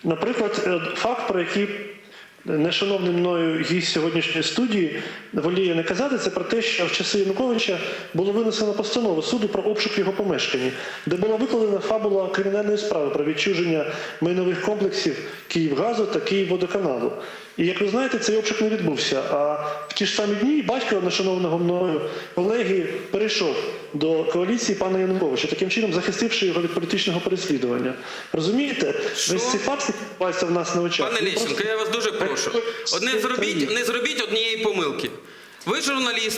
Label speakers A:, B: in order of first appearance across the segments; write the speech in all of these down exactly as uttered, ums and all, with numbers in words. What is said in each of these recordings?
A: Наприклад, факт, про який нешановний мною гість сьогоднішньої студії воліє не казати, це про те, що в часи Януковича було винесено постанову суду про обшук його помешкання, де була викладена фабула кримінальної справи про відчуження майнових комплексів «Київгазу» та «Київводоканалу». І, як ви знаєте, цей обшук не відбувся. А в ті ж самі дні батько нешановного мною колеги перейшов до коаліції пана Януковича, таким чином захистивши його від політичного переслідування. Розумієте? Весь цей факт відбувається в нас на очах.
B: Пане Лещенко, просто... я вас дуже прошу. Одне зробіть, не зробіть однієї помилки. Ви журналіст,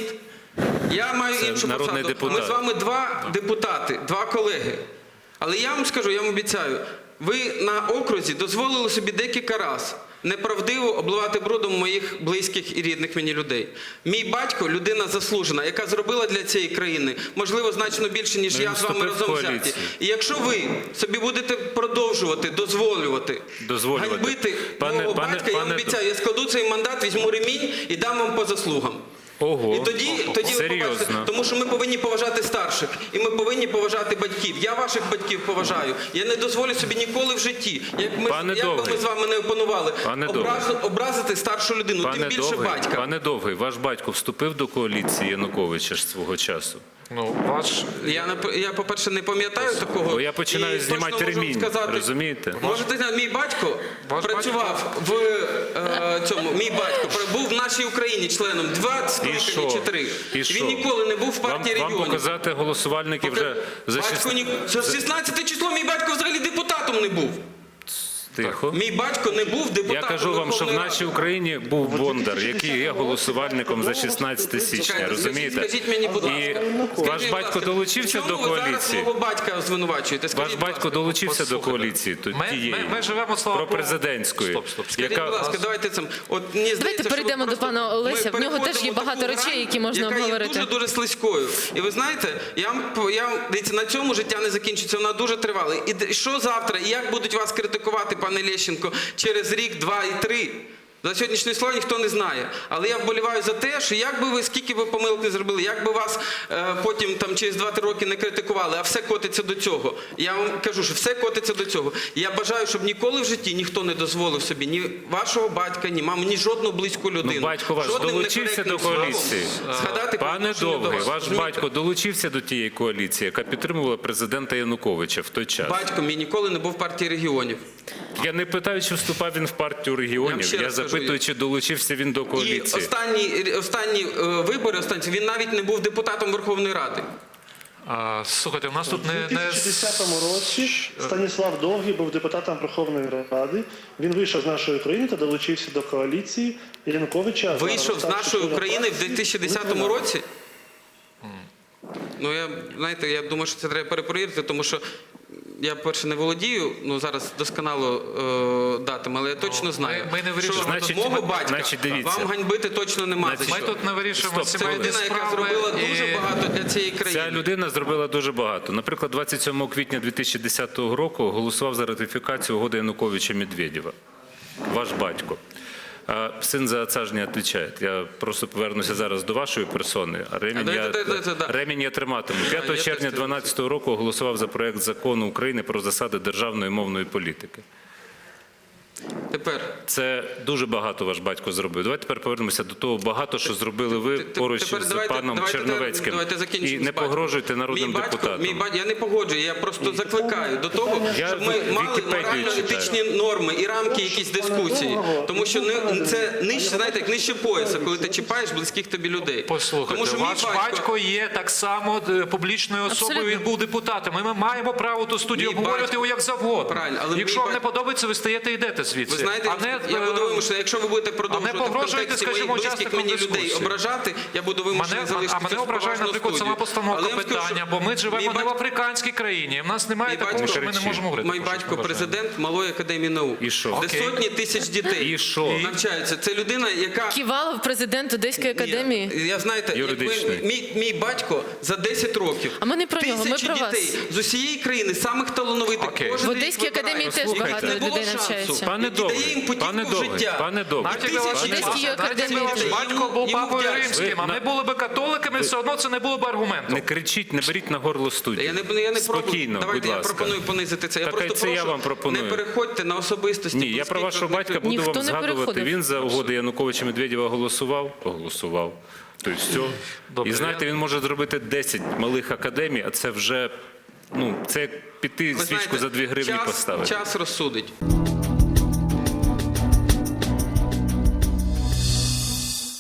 B: я маю
C: Це
B: іншу посаду.
C: Депутат.
B: Ми з вами два депутати, два колеги. Але я вам скажу, я вам обіцяю, ви на окрузі дозволили собі декілька разів неправдиво обливати брудом моїх близьких і рідних мені людей. Мій батько – людина заслужена, яка зробила для цієї країни, можливо, значно більше, ніж я з вами разом взяті. І якщо ви собі будете продовжувати, дозволювати,
C: дозволювати. ганьбити
B: пане, мого
C: пане,
B: батька,
C: пане,
B: я обіцяю, я складу цей мандат, візьму ремінь і дам вам по заслугам.
C: Ого,
B: і тоді, тоді ви побачите, тому що ми повинні поважати старших, і ми повинні поважати батьків. Я ваших батьків поважаю. Я не дозволю собі ніколи в житті, як, ми, як би ми з вами не опанували, образ, образити старшу людину,
C: пане
B: тим більше
C: Довгий,
B: батька.
C: Пане Довгий, ваш батько вступив до коаліції Януковича ж свого часу?
D: Ну, ваш...
B: Я, я по-перше, не пам'ятаю такого.
C: Бо я починаю знімати ремінь, розумієте?
B: Можете знати, мій батько ваш працював батько? в е, цьому, мій батько був в нашій Україні членом двадцять років чи три.
C: І
B: Він ніколи не був в партії
C: вам,
B: регіонів.
C: Вам показати голосувальників
B: Пока...
C: вже за
B: шістнадцяте число мій батько взагалі депутатом не був.
C: Тихо.
B: Мій батько не був депутатом.
C: Я кажу вам, що в нашій Україні був Бондар, який є голосувальником за шістнадцяте січня, розумієте?
B: Скажіть мені, будь ласка.
C: І ваш батько долучився до коаліції?
B: Чому ви зараз мого батька звинувачуєте?
C: Ваш батько долучився до коаліції тієї, пропрезидентської.
D: Стоп, стоп.
B: Скажіть, будь ласка, давайте це.
E: Давайте перейдемо до пана Олеся. В нього теж є багато речей, які можна обговорити.
B: Яка є дуже-дуже слизькою. І ви знаєте, я, я, дивіться, на цьому життя не закінчиться, вона дуже тривала. І що завтра, і як будуть вас критикувати, пане Лещенко, через рік, два і три? За сьогоднішнє слово ніхто не знає. Але я вболіваю за те, що як би ви, скільки ви помилок не зробили, як би вас е, потім там, через два-три роки не критикували, а все котиться до цього. Я вам кажу, що все котиться до цього. І я бажаю, щоб ніколи в житті ніхто не дозволив собі ні вашого батька, ні мами, ні жодну близьку людину.
C: Ну, батько ваш долучився до коаліції.
B: Згадати,
C: пане Довгий, ваш
B: розумієте?
C: батько долучився до тієї коаліції, яка підтримувала президента Януковича в той час?
B: Батько мій ніколи не був в партії регіонів.
C: Я не питаю, чи вступав він в партію регіонів, я, я запитую, чи долучився він до коаліції.
B: І останні, останні е, вибори, останні, він навіть не був депутатом Верховної Ради.
D: А, слухайте, у нас тут не...
A: У дві тисячі десятому році Станіслав Довгий був депутатом Верховної Ради. Він вийшов з нашої України та долучився до коаліції Януковича.
B: Вийшов з нашої України в дві тисячі десятому році? Ну, я, знаєте, я думаю, що це треба перепровірити, тому що я, перше, не володію, ну, зараз досконало е, датами, але я точно знаю,
D: ми, ми не
B: що
C: значить,
B: мого батька
C: значить,
B: вам ганьбити точно нема.
D: Ми тут не вирішуємо
B: Це людина, яка зробила і... дуже багато для цієї країни.
C: Ця людина зробила дуже багато. Наприклад, двадцять сьомого квітня дві тисячі десятого року голосував за ратифікацію угоди Януковича-Медведєва. Ваш батько. А сын за отца же не отвечает. Я просто повернуся зараз до вашої персони, а ремінь, я, ремінь я триматиму. п'ятого червня дві тисячі дванадцятого року голосував за проект закону України про засади державної мовної політики.
B: Тепер.
C: Це дуже багато ваш батько зробив. Давайте тепер повернемося до того багато, що зробили ви поруч
B: тепер,
C: з
B: давайте,
C: паном
B: давайте,
C: Черновецьким.
B: давайте
C: І не погрожуйте народним
B: мій батько,
C: депутатам.
B: Мій батько, я не погоджую, я просто закликаю до того,
C: я
B: щоб ми мали морально-етичні норми і рамки якісь дискусії. Тому що не, це нижче, знаєте, як нижче пояса, коли ти чіпаєш близьких тобі людей.
D: Послухайте,
B: Тому що
D: ваш батько... батько є так само публічною особою,
E: Абсолютно.
D: Він був депутатом. Ми маємо право ту студію
B: Мій
D: обговорювати
B: батько...
D: його як завгодно.
B: Правильно, але
D: якщо вам
B: батько...
D: не подобається, ви стаєте і йдете звідси.
B: Ви знаєте,
D: а не,
B: я буду вимушений, якщо ви будете продовжувати в контексті моїх близьких мені людей ображати, я буду вимушений
D: мене,
B: залишити.
D: А мене ображає, наприклад, сама постановка питання, бо ми живемо не в африканській країні. В нас немає такого, що ми не можемо говорити.
B: Мій батько президент Малої академії наук.
C: І що?
B: Де сотні тисяч дітей
C: І що?
B: навчаються. Це людина, яка...
E: Ківалов, президент Одеської академії.
B: Ні, я, знаєте,
C: Юридичний.
B: мій, мій батько за десять років.
E: А ми не про нього, ми про вас.
B: Тисячі дітей з усієї країни, самих талановитих.
D: Окей.
E: В Одеській академії теж багато людей навчається.
C: Пане
B: який дає
C: Довгий,
B: їм путівку
C: пане
B: в
C: Довгий,
B: життя.
C: пане Довгий.
D: Навіть якби ваш,
B: Тисячі
E: Одеський
B: людей.
E: є
D: навіть якби ваш
E: академії.
D: батько був
B: Йому
D: папою
B: вдячний.
D: римським, а
C: Ви
D: ми
C: на-
D: були би католиками, все одно це не було б аргументом.
C: Не кричіть, не беріть на горло студію.
B: Я не, я не пробую.
C: Спокійно,
B: Давайте
C: будь
B: я
C: ласка.
B: пропоную понизити це. Я
C: Так,
B: просто
C: це я
B: прошу,
C: вам пропоную.
B: не переходьте на особистості.
C: Ні, я про
B: Пускайте
C: вашого батька буду
E: Ніхто
C: вам
E: не
C: згадувати.
E: переходив.
C: Він за угоди Януковича Медведєва голосував, голосував. Тобто все.
D: Добре,
C: І знаєте,
D: я-
C: він може зробити десять малих академій, а це вже, ну, це як піти
B: Ви
C: свічку
B: знаєте,
C: за дві гривні
B: час,
C: поставити.
B: Час розсудить.